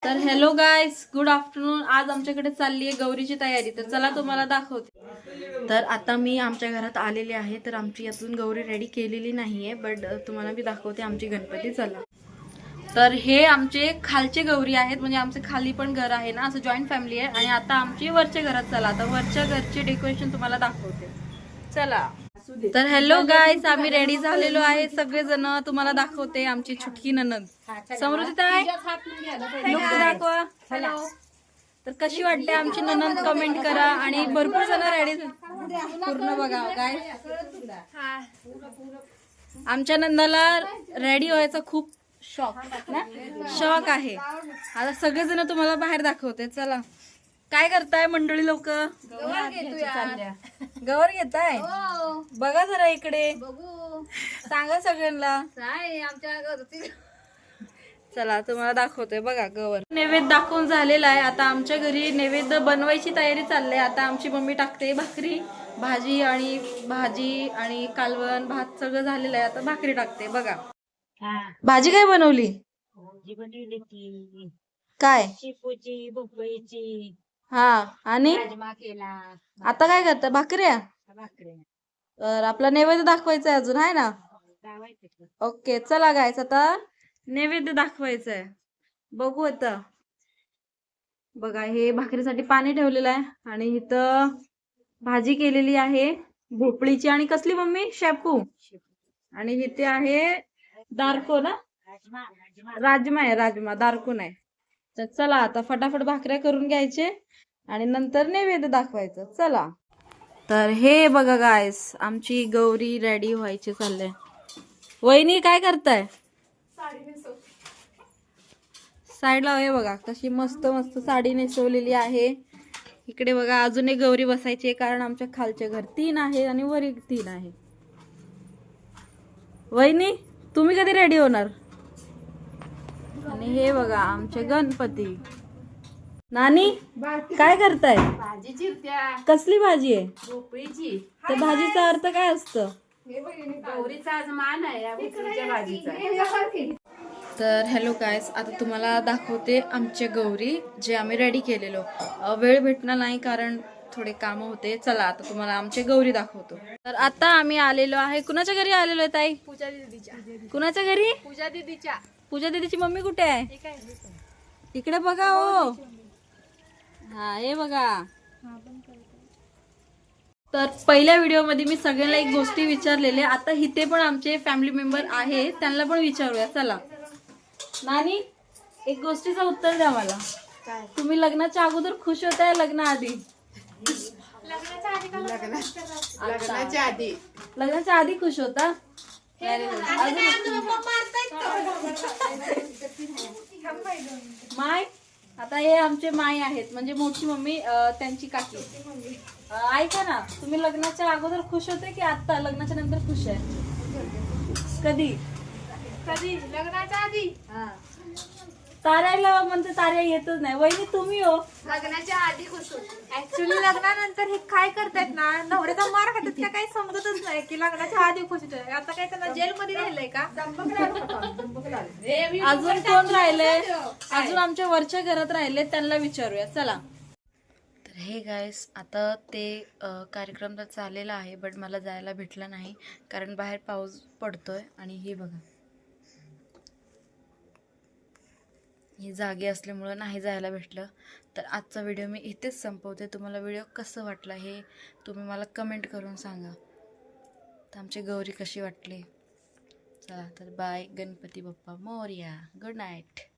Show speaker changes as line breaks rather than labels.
तर hello guys, good afternoon. आज आमच्याकडे चालली आहे गौरीची तयारी. तर चला तुम्हाला दाखवते. तर आता मी आमच्या घरात आलेले आहे. तर आमची अजून गौरी रेडी केलेली नाहीये, बट तुम्हाला मी दाखवते आमची गणपती. चला. तर हे आमचे खालचे गौरी आहेत, म्हणजे आमचे खाली पण घर आहे ना, असं जॉईंट फॅमिली आहे. आणि आता आमची वरच्या घरात. चला आता वरच्या घरचे डेकोरेशन तुम्हाला दाखवते. चला. तर हॅलो गाईस, आम्ही रेडी झालेलो आहे सगळेजण. तुम्हाला दाखवते आमची छुटकी ननद समृद्धी ताई. लुक दाखवा. तर कशी वाटते आमची ननद कमेंट करा. आणि भरपूर जण रेडी पूर्ण बघा गाईस. आमच्या नंदाला रेडी व्हायचा खूप शौक आहे. आता सगळेजण तुम्हाला बाहेर दाखवते. चला. काय करताय मंडळी लोक? गवर घेताय? बघा जरा इकडे, सांगा सगळ्यांना. चला तुम्हाला दाखवतोय. बघा गवर नैवेद्य दाखवून झालेला आहे. आता आमच्या घरी नैवेद्य बनवायची तयारी चालली आहे. आता आमची मम्मी टाकते भाकरी, भाजी आणि कालवण भात सगळं झालेलं आहे. आता भाकरी टाकते. बघा भाजी काय बनवली? काय? शेपूची, भोपळीची. हा. आणि आता काय करता? भाकऱ्या. तर आपला नैवेद्य दाखवायचा आहे अजून, आहे ना? ओके चला गायस, आता नैवेद्य दाखवायचं आहे. बघू आता. बघा हे भाकरीसाठी पाणी ठेवलेलं आहे. आणि इथं भाजी केलेली आहे भोपळीची. आणि कसली मम्मी? शेपू. आणि इथे आहे दारको ना, राजमा आहे. राजमा, दारको नाही. तर चला आता फटाफट भाकऱ्या करून घ्यायचे आणि नंतर नैवेद्य दाखवायचं. चला. तर हे बघा गायस, आमची गौरी रेडी व्हायची चाललंय. वहिनी काय करताय? साईडला हे बघा कशी मस्त मस्त साडी नेसवलेली आहे. इकडे बघा अजून एक गौरी बसायची आहे, कारण आमच्या खालच्या घर 3 आहे आणि वर 3 आहे. वहिनी तुम्ही कधी रेडी होणार? आणि हे बघा आमचे गणपती. नानी काय करताय?
भाजी चिरत्या.
कसली भाजी आहे?
भोपळीची.
त्या भाजीचा अर्थ काय असतं?
गौरीचा आज मान आहे या भोपळीच्या भाजीचा.
तर हॅलो गायस, आता तुम्हाला दाखवते आमच्या गौरी जे आम्ही रेडी केलेलो. वेळ भेटणार नाही कारण थोडे काम होते. चला आता तुम्हाला आमच्या गौरी दाखवतो. तर आता आम्ही आलेलो आहे. कुणाच्या घरी आलेलो आहे ताई?
पूजा दीदीच्या.
कुणाच्या घरी?
पूजा दीदीच्या.
पूजा दीदीची मम्मी कुठे आहे? इकडे बघा. हो हा हे बघा. तर पहिल्या व्हिडिओ मध्ये मी सगळ्यांना एक गोष्टी विचारलेले. आता इथे पण आमचे फॅमिली मेंबर आहे, त्यांना पण विचारूया. चला. नानी एक गोष्टीचं उत्तर द्या मला. तुम्ही लग्नाच्या अगोदर खुश होताय लग्नाआधी? लग्नाच्या आधी खुश होता. माय आता हे आमचे माय आहेत, म्हणजे मोठी मम्मी, त्यांची काकी. ऐका ना, तुम्ही लग्नाच्या अगोदर खुश होते की आता लग्नाच्या नंतर खुश आहे? कधी
लग्नाच्या आधी.
ताऱ्याला म्हणते ताऱ्या येतच नाही. वहिनी तुम्ही हो?
लग्नाच्या आधी खुश होते. ऍक्च्युली लग्नानंतर हे काय करतायत ना, नवऱ्याचा मार खातात त्या काही समजतच नाही की लग्नाच्या आधी खुश होते. आता काय त्यांना जेल मध्ये राहिलंय का?
अजून कोण राहिले? अजून आमच्या वरच्या घरात राहिले, त्यांना विचारूया. चला. तर हे गाईस, आता ते कार्यक्रम तर चाललेला आहे, बट मला जायला भेटलं नाही कारण बाहेर पाऊस पडतोय. आणि हे बघा ही जागी असल्यामुळं नाही जायला भेटलं. तर आजचा व्हिडिओ मी इथेच संपवते. तुम्हाला व्हिडिओ कसं वाटला हे तुम्ही मला कमेंट करून सांगा. तर आमची गौरी कशी वाटली. चला तर बाय. गणपती बाप्पा मोरया. Good night.